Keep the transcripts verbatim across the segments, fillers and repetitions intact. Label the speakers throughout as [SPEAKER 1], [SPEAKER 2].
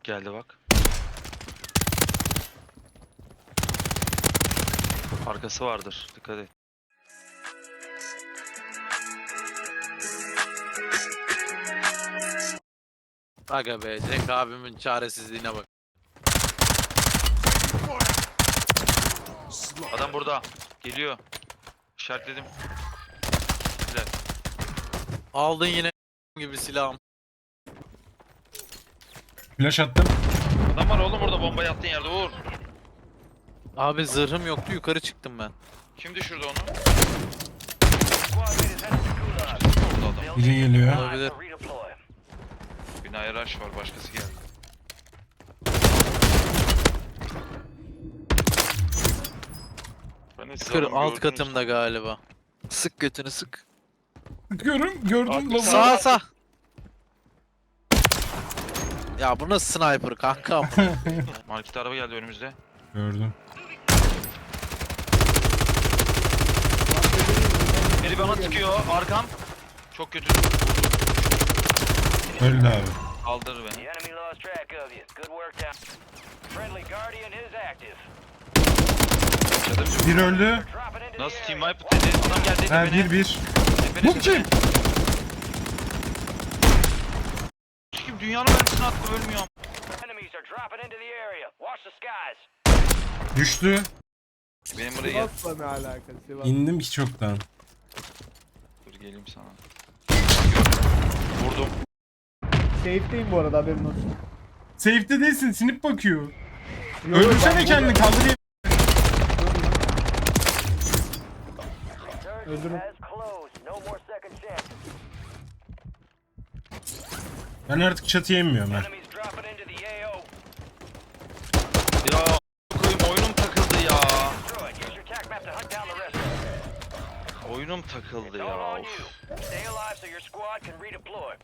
[SPEAKER 1] Geldi bak. Arkası vardır. Dikkat et.
[SPEAKER 2] Aga be, Cenk abimin çaresizliğine bak.
[SPEAKER 1] Adam burada. Geliyor. İşaretledim. Güzel.
[SPEAKER 2] Aldın yine gibi silahım.
[SPEAKER 3] Flash attım.
[SPEAKER 1] Adam var oğlum orada, bomba yattığın yerde Uğur.
[SPEAKER 2] Abi zırhım yoktu, yukarı çıktım ben.
[SPEAKER 1] Kim düşürdü onu?
[SPEAKER 4] Orada
[SPEAKER 1] Orada adam.
[SPEAKER 3] Biri geliyor.
[SPEAKER 2] Olabilir.
[SPEAKER 1] Binaya rush var, başkası geldi. Ben de siz
[SPEAKER 2] Yukarı
[SPEAKER 1] adamı
[SPEAKER 2] alt
[SPEAKER 1] gördünüz.
[SPEAKER 2] katımda galiba. Sık götünü sık.
[SPEAKER 3] Sıkıyorum. Gördüm.
[SPEAKER 1] Artık
[SPEAKER 3] Lavu.
[SPEAKER 2] Sağ sağ. Ya bu nasıl sniper kankam?
[SPEAKER 1] Market araba geldi önümüzde.
[SPEAKER 3] Gördüm.
[SPEAKER 1] Biri bana sıkıyor. Arkam. Çok kötü.
[SPEAKER 3] Öldü abi.
[SPEAKER 1] Kaldırır beni.
[SPEAKER 4] The enemy lost track of you. Good work down. Friendly Guardian is active.
[SPEAKER 1] Çadırcı.
[SPEAKER 3] Bir öldü.
[SPEAKER 4] Dropping into
[SPEAKER 1] Nasıl
[SPEAKER 4] the
[SPEAKER 1] team
[SPEAKER 4] area.
[SPEAKER 1] wipe dedi. Adam geldi
[SPEAKER 3] Ha
[SPEAKER 1] tepene.
[SPEAKER 3] bir bir.
[SPEAKER 1] Tepene,
[SPEAKER 3] Bu
[SPEAKER 1] tepene.
[SPEAKER 3] kim?
[SPEAKER 1] Kim dünyanın mermisini attı, ölmüyorum.
[SPEAKER 4] Enemies are dropping into the area. Watch the skies.
[SPEAKER 3] Düştü.
[SPEAKER 1] Benim buraya gel.
[SPEAKER 5] Sivas'la ne alakası Sivas?
[SPEAKER 3] İndim ki çoktan.
[SPEAKER 1] Dur geleyim sana. Vurdum.
[SPEAKER 5] Safe'deyim bu arada, haberin olsun.
[SPEAKER 3] Safe'de değilsin. Sinip bakıyor.
[SPEAKER 5] Yo,
[SPEAKER 3] Öldürsene
[SPEAKER 5] ben
[SPEAKER 3] kendini.
[SPEAKER 5] burada-
[SPEAKER 3] Kaldırayım.
[SPEAKER 5] Öldürün.
[SPEAKER 4] Has closed. No more second chances.
[SPEAKER 3] Ben artık çatıya inmiyorum ha.
[SPEAKER 4] Enemies dropping into the A O.
[SPEAKER 1] Ya koyayım, oyunum takıldı ya.
[SPEAKER 4] Destroy it. Use your tac map to hunt down the rest of them.
[SPEAKER 1] Oyunum takıldı
[SPEAKER 4] All
[SPEAKER 1] ya.
[SPEAKER 4] on
[SPEAKER 1] Of.
[SPEAKER 4] you. Stay alive so your squad can redeploy.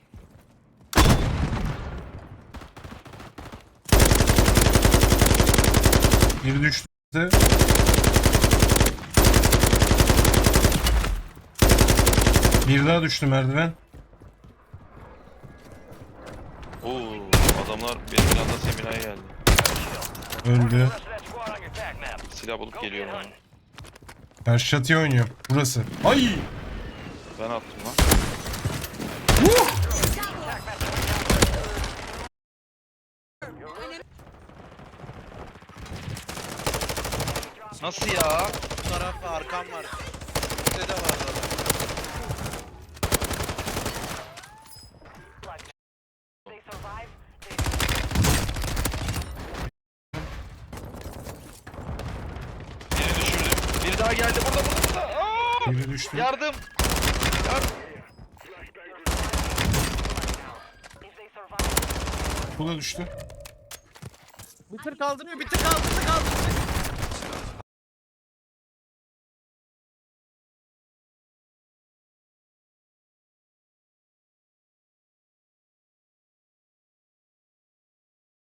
[SPEAKER 3] Biri düştü. Bir daha düştü merdiven.
[SPEAKER 1] Oo, adamlar benim yanında seminaya geldi.
[SPEAKER 3] Öldü.
[SPEAKER 4] Rest of that squad on your tac map.
[SPEAKER 1] Silah bulup geliyorum onu.
[SPEAKER 3] Karşı çatıya oynuyor. Burası. Ay!
[SPEAKER 1] Ben attım lan. Nasıl ya?
[SPEAKER 2] Bu tarafta arkam var. Üstte de var adam.
[SPEAKER 4] They survive.
[SPEAKER 1] Biri düşürdüm. Biri daha geldi, burada burada burada. Aa!
[SPEAKER 3] Biri düştü.
[SPEAKER 1] Yardım. Yardım.
[SPEAKER 4] If they survive.
[SPEAKER 3] Bu da düştü.
[SPEAKER 2] Bir tır kaldırıyor, bir tır kaldırdı kaldırdı.